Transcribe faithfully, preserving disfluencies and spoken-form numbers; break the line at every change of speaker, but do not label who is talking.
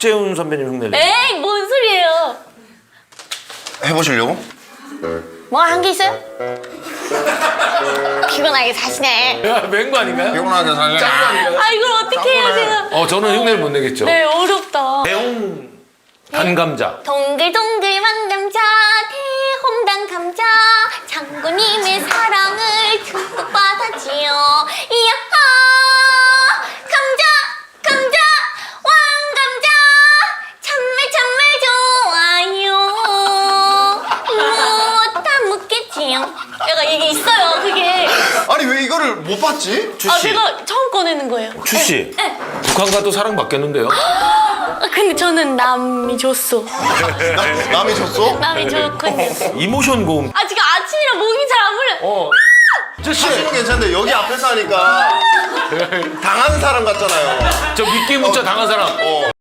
박재훈 선배님 흉내내.
에이 뭔 소리예요?
해보시려고?
뭐 한 게 있어요? 피곤하게 사시네.
야, 맹구 아닌가요?
피곤하게 살려.
짱구 아닌가요?
아 이걸 어떻게 해요 제가?
어, 저는 흉내를 못 내겠죠.
네 어렵다.
대홍 단감자.
동글동글 왕감자 대홍당 감자 장군님의 사랑을 듬뿍 받았지요. 이야하 감자 감자 왕감자 참말 참말 좋아요. 못 다 묻겠지요. 약간 이게 있어요 그게.
아니 왜 이거를 못 봤지?
아
추씨.
제가 처음 꺼내는 거예요.
추씨.
네.
북한과도 사랑받겠는데요?
아, 근데 저는 남이 줬어.
나, 남이 줬어?
남이 줬거든요.
이모션 고음.
아 지금 아침이라 목이 잘 안 물려.
어.
사실은 괜찮은데 여기 앞에서 하니까 당하는 사람 같잖아요.
저 미끼 문자 당한 사람.
어.